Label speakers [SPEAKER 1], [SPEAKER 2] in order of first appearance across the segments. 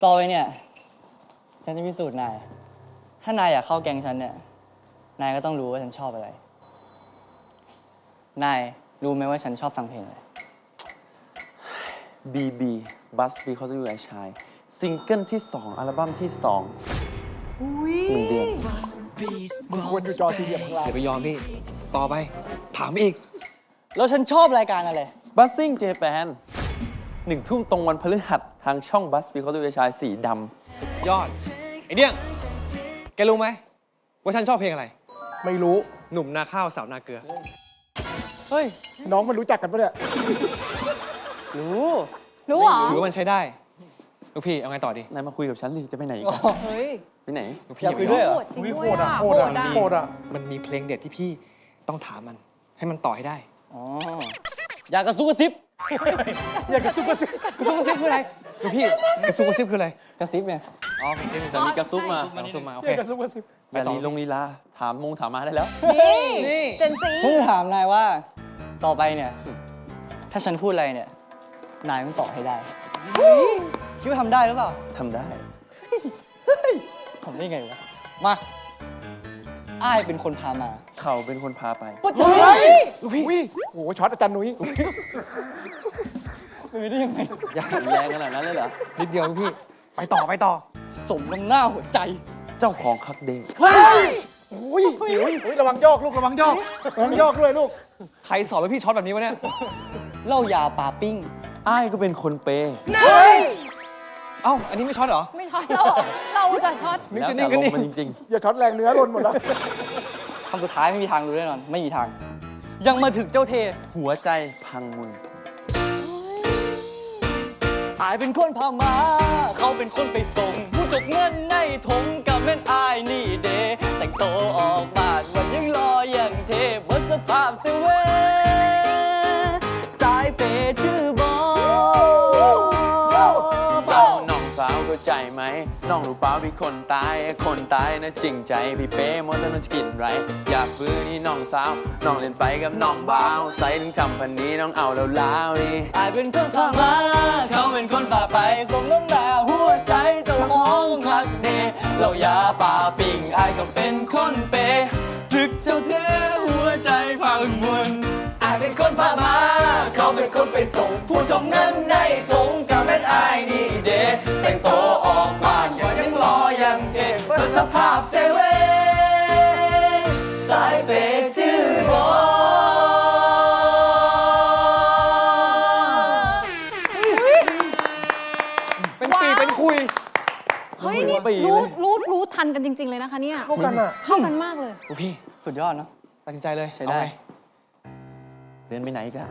[SPEAKER 1] ต่อไปเนี่ยฉันจะพิสูจน์นายถ้านายอยากเข้าแก๊งฉันเนี่ยนายก็ต้องรู้ว่าฉันชอบอะไรนายรู้ไหมว่าฉันชอบฟังเพลงอะไร
[SPEAKER 2] BB Bus Because You I Shine ซิงเกิลที่ 2 อัลบั้มที่ 2 1 เดือน
[SPEAKER 3] มึงควรอยู่จอสี่เหลี่ยมข้างล่าง
[SPEAKER 4] อย่าไปยอมพี่ ต่อไป ถามอีก
[SPEAKER 1] แล้วฉันชอบรายการอะไร
[SPEAKER 2] Buzzing Japan 1 ทุ่มตรงวันพฤหัสทางช่อง Bus Because You I Shine สีดำ
[SPEAKER 4] ยอด ไอเดี้ยง แกรู้ไหมว่าฉันชอบเพลงอะไร
[SPEAKER 3] ไม่รู้
[SPEAKER 4] หนุ่มนาข้าวสาวนาเกลือ
[SPEAKER 1] เฮ้ย
[SPEAKER 3] น้องมันรู้จักกันปะเนี่ย
[SPEAKER 1] รู้
[SPEAKER 5] รู้เหรอ
[SPEAKER 4] ถือว่ามันใช้ได้ ลูกพี่ เอาไงต่อดี
[SPEAKER 2] นายมาคุยกับฉันดิจะไปไหนอีก
[SPEAKER 1] อ๋อ
[SPEAKER 2] อะ
[SPEAKER 5] เฮ้ย
[SPEAKER 2] ไปไหน
[SPEAKER 4] ลูกพี่
[SPEAKER 1] อยากคุยด้วยเหรอ
[SPEAKER 5] โหดจริง
[SPEAKER 3] อุ๊ย
[SPEAKER 5] ด้วยอ่ะ
[SPEAKER 3] โหดอะ
[SPEAKER 5] อ่ะ
[SPEAKER 3] โหดอะ
[SPEAKER 4] มันมีเพลงเด็ดที่พี่ต้องถามมัน ให้มันต่อให้ได้
[SPEAKER 1] อ๋ออยากกระซุกกระซิบ
[SPEAKER 3] อยากกระซุบกระซิบ
[SPEAKER 4] กระซุบกระซิบคืออะไร ลูกพี่ กระซุบกระซิบคืออะไร
[SPEAKER 1] กระซิบไง
[SPEAKER 4] อ๋อกระซิบ
[SPEAKER 2] แต่มีกระซุบมา
[SPEAKER 4] กระซุบมา โอ
[SPEAKER 3] อ
[SPEAKER 4] เค
[SPEAKER 3] ยากกระซุบกระซิบ
[SPEAKER 2] อย่าลีลงลีลาถามมาได้แล้ว
[SPEAKER 5] นี่
[SPEAKER 4] นี่
[SPEAKER 5] เจนซี
[SPEAKER 1] ฉันจะถามนายว่าต่อไปเนี่ย ถ้าฉันพูดอะไรเนี่ย นายต้องตอบให้ได้คิดว่าทำได้หรือเปล่า
[SPEAKER 2] ทำได้
[SPEAKER 1] ทำได้ไงวะ มาอ้ายเป็นคนพามา
[SPEAKER 2] เขาเป็นคนพาไป
[SPEAKER 3] เฮ้ยลูกพี่อุ้ยโอ้โหช็อตอาจารย์นุ้ย
[SPEAKER 1] เป็นไปได้ยังไง
[SPEAKER 2] อยากแรงขนาดนั้นเลยเหรอ
[SPEAKER 4] นิดเดียวลูกพี่ ไปต่อไปต่อ
[SPEAKER 1] สมน้ำหน้าหัวใจ
[SPEAKER 2] เจ้าของคักเดย์
[SPEAKER 3] อุ้ยอุ้ยระวังโยกลูกระวังโยกระวังโยกด้วยลูก
[SPEAKER 4] ใครสอนลูกพี่ช็อตแบบนี้วะเนี่ย
[SPEAKER 1] เหล้ายาปลาปิ้ง
[SPEAKER 2] อ้ายก็เป็นคนเปย์
[SPEAKER 4] เอ้า อันนี้ไม่ช็อตเหรอ
[SPEAKER 5] ไม่ช็อตเราเราจะช็อต
[SPEAKER 4] นึก
[SPEAKER 2] แล้ว
[SPEAKER 4] จะ
[SPEAKER 2] แต่
[SPEAKER 4] นิ่งก็
[SPEAKER 2] ลง
[SPEAKER 4] นิ่ง
[SPEAKER 2] มันจริง
[SPEAKER 3] อย่าช็อตแรงเนื้อหล่นหมดแล้ว
[SPEAKER 1] คำสุดท้ายไม่มีทางรู้แน่นอน ไม่มีทาง ยังมาถึงเจ้าเท
[SPEAKER 2] ๆ หัวใจพังมุน
[SPEAKER 1] อายเป็นคนพามา เขาเป็นคนไปส่ง ผู้จกเงินในถงกับแม่นอายนี่เดแต่งโตวออกบ้านวันยังรออย่างเทพวัดสภาพเซเว่นสายเปย์ชื่อบอ
[SPEAKER 2] เอาน้องสาวเข้าใจไหม น้องรู้เปล่าพี่คนตายนะจริงใจ พี่เป้หมดแล้วมันจะกินไร อยากฟื้นนี่น้องสาว น้องเล่นไปกับน้องบ่าวใส่ถึงทำพันนี้น้องเอาแล้วนี่
[SPEAKER 1] อายเป็นคนพามา เขาเป็นคนพาไปสมน้ำหน้าหัวใจเจ้าของคักเนเรายาป่าปิ่งอายก็เป็นคนเปย์ถึกเจ้าเทหัวใจพังมุนอายเป็นคนพามา เขาเป็นคนไปส่ง ผู้จมเงินในถงกับแม่นอายนี่เดแต่งโตวออกบ้านอย่ายังรอยังเทเพื่อสภาพเซเว่นสายเปย์ชื่อบอ
[SPEAKER 3] เป็นปีเป็นคุย
[SPEAKER 5] เฮ้ยนี่
[SPEAKER 2] ปีเลย
[SPEAKER 5] รู้ทันกันจริง ๆ เลยนะคะเนี่ย
[SPEAKER 3] เข้ากันอ่ะ
[SPEAKER 5] เข้ากันมากเลย
[SPEAKER 4] ลูกพี่
[SPEAKER 1] สุดยอดเนาะ
[SPEAKER 4] ตัดสินใจเลย
[SPEAKER 1] ใช้ได้
[SPEAKER 4] เอาไง
[SPEAKER 2] เดินไปไหนอีกัน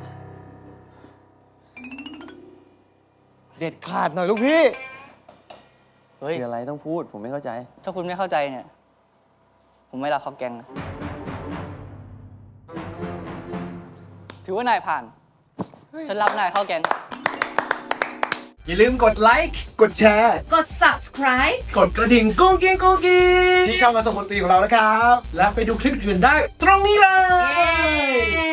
[SPEAKER 4] เด็ดขาดหน่อยลูกพี่
[SPEAKER 1] เฮ้ย
[SPEAKER 2] คืออะไรต้องพูดผมไม่เข้าใจ
[SPEAKER 1] ถ้าคุณไม่เข้าใจเนี่ย ผมไม่รับเข้าแกงนะ ถือว่านายผ่าน ฉันรับนายเข้าแกง
[SPEAKER 6] อย่าลืมกดไลค์ กดแชร์
[SPEAKER 5] กด subscribe
[SPEAKER 6] กดกระดิ่งกุ้งกิ้งกุ้งกิ้ง
[SPEAKER 3] ที่ช่องกระสมดนตรีของเรานะครับ
[SPEAKER 6] และไปดูคลิปอื่นได้ตรงนี้เลย
[SPEAKER 5] เย้